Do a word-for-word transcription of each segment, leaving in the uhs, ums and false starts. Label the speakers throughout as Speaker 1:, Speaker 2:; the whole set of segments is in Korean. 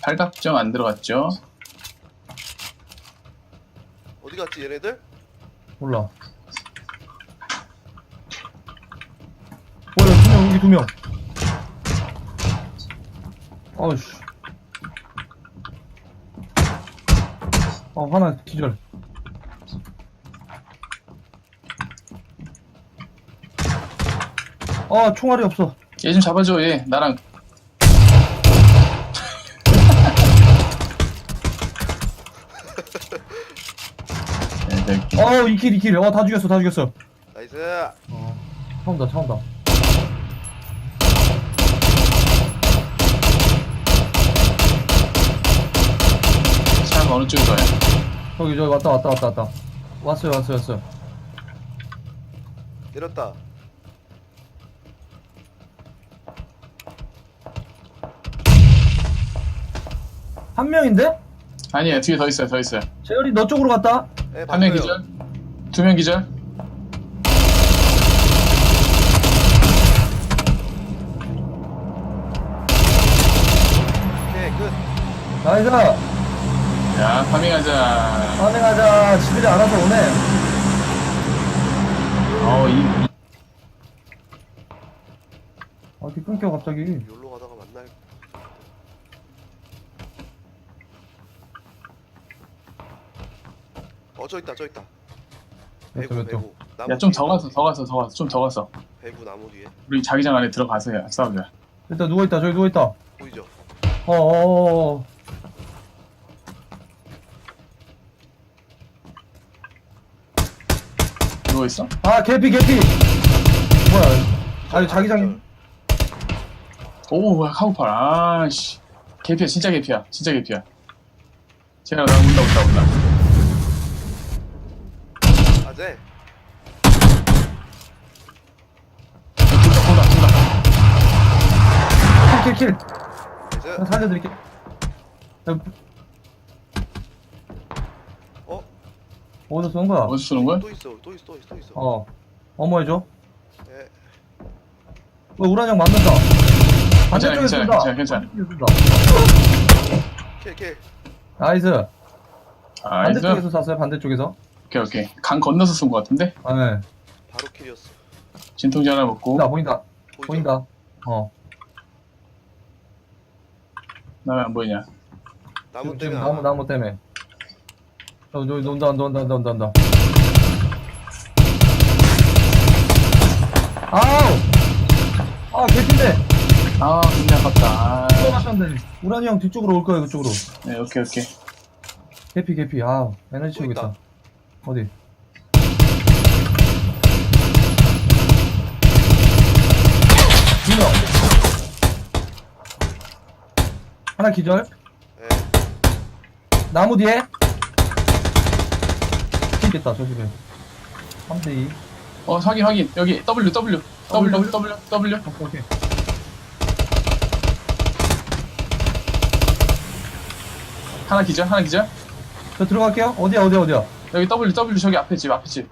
Speaker 1: 발각정 안 들어갔죠?
Speaker 2: 어디 갔지 얘네들?
Speaker 3: 몰라. 뭐야, 두 명, 여기 두 명. 어이씨. 어, 하나 기절. 어, 총알이 없어.
Speaker 1: 얘 좀 잡아줘. 얘 나랑 얘들
Speaker 3: 어, 이 킬, 이 킬. 어, 다 죽였어, 다 죽였어.
Speaker 2: 나이스.
Speaker 3: 어, 차 온다, 차 온다.
Speaker 1: 차가 어느 쪽으로 가요?
Speaker 3: 저기, 저기, 왔다, 왔다, 왔다, 왔다. 왔어요, 왔어요, 왔어요.
Speaker 2: 내렸다.
Speaker 3: 한 명인데?
Speaker 1: 아니에요. 뒤에 더 있어요. 더 있어요.
Speaker 3: 재열이 너 쪽으로 갔다?
Speaker 2: 네,
Speaker 1: 한 명
Speaker 2: 봤어요.
Speaker 1: 기절, 두 명 기절.
Speaker 2: 오케이 끝.
Speaker 3: 나이스!
Speaker 1: 야, 파밍하자.
Speaker 3: 파밍하자. 지들이 알아서 오네.
Speaker 1: 어, 이,
Speaker 3: 어디 끊겨, 갑자기.
Speaker 2: 여기로 가다가 만날. 어 저 있다 저 있다.
Speaker 3: 몇
Speaker 2: 배구
Speaker 3: 점, 몇 점.
Speaker 2: 배구. 나무
Speaker 1: 야, 좀
Speaker 2: 뒤에
Speaker 1: 더
Speaker 2: 있다.
Speaker 1: 가서, 더 가서, 더 가서, 좀 더 가서.
Speaker 2: 배구 나무 뒤에
Speaker 1: 우리 자기장 안에 들어가서 야, 싸우자.
Speaker 3: 일단 누워있다, 저기 누워있다.
Speaker 2: 보이죠?
Speaker 3: 어어어어.
Speaker 1: 누워 있어?
Speaker 3: 아, 개피, 개피! 뭐야. 아니, 자기장이.
Speaker 1: 오, 뭐야, 카우팔. 아씨. 개피야, 진짜 개피야. 진짜 개피야. 제가 나 온다, 온다, 온다.
Speaker 2: 아재.
Speaker 1: 둘다, 둘다, 둘다.
Speaker 3: 킬, 킬, 킬.
Speaker 2: 나이스.
Speaker 3: 나 살려드릴게. 야,
Speaker 2: 어?
Speaker 3: 어디서 쏜 거야?
Speaker 1: 어디서 쏘는 거야?
Speaker 2: 또 있어 또 있어 또 있어 또 있어.
Speaker 3: 어. 어머 해줘.
Speaker 2: 네.
Speaker 3: 왜 우란형 맞는다.
Speaker 1: 괜찮아,
Speaker 3: 반대쪽에
Speaker 1: 괜찮아,
Speaker 3: 쏜다.
Speaker 1: 괜찮아, 괜찮아.
Speaker 3: 반대쪽에 쏜다.
Speaker 2: 킬 킬.
Speaker 3: 나이스.
Speaker 1: 아,
Speaker 3: 반대쪽에서
Speaker 1: 이거?
Speaker 3: 쐈어요, 반대쪽에서.
Speaker 1: 오케이, 오케이. 강 건너서 쏜 거 같은데?
Speaker 3: 아, 네.
Speaker 2: 바로 킬이었어.
Speaker 1: 진통제 하나 먹고.
Speaker 3: 보인다, 보인다.
Speaker 2: 보이죠?
Speaker 3: 보인다. 어.
Speaker 1: 나 왜 안 보이냐?
Speaker 2: 나무
Speaker 3: 지금, 지금
Speaker 2: 때문에.
Speaker 3: 나무,
Speaker 2: 안
Speaker 3: 나무 때문에. 어, 저기 논다, 논다, 논다, 논다. 아우! 아, 개핀데!
Speaker 1: 아, 굉장히 아깝다. 아,
Speaker 3: 들어갔는데. 우란이 형 뒤쪽으로 올 거야, 그쪽으로.
Speaker 1: 네, 오케이, 오케이.
Speaker 3: 개피, 개피. 아, 에너지
Speaker 2: 또
Speaker 3: 채우겠다.
Speaker 2: 있다.
Speaker 3: 어디? 두 명. 하나 기절.
Speaker 2: 네.
Speaker 3: 나무 뒤에. 튀겠다, 저 집에. 삼 대 이.
Speaker 1: 어, 확인, 확인. 여기 W, W, W,
Speaker 3: W?
Speaker 1: W, W.
Speaker 3: 오케이, 오케이.
Speaker 1: 하나 기절, 하나 기절.
Speaker 3: 저 들어갈게요. 어디야, 어디야, 어디야?
Speaker 1: 여기 W, W 저기 앞에 집, 앞에 집.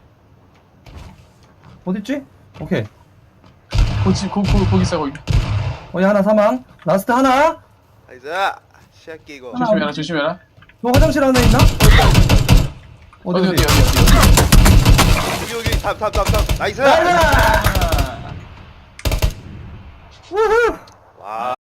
Speaker 3: 어딨지? 오케이.
Speaker 1: 거기, 거기, 거기, 거기 있어, 거기.
Speaker 3: 어디 하나 사망. 라스트 하나.
Speaker 2: 나이스. 시작기 이거.
Speaker 3: 하나.
Speaker 1: 조심해라, 조심해라.
Speaker 3: 너 화장실 안에 있나? 어디,
Speaker 1: 어디,
Speaker 3: 어디?
Speaker 1: 어디, 어디, 어디.
Speaker 2: 여기 여기 답답답답. 나이스.
Speaker 3: 나이스! 우후!
Speaker 2: 와.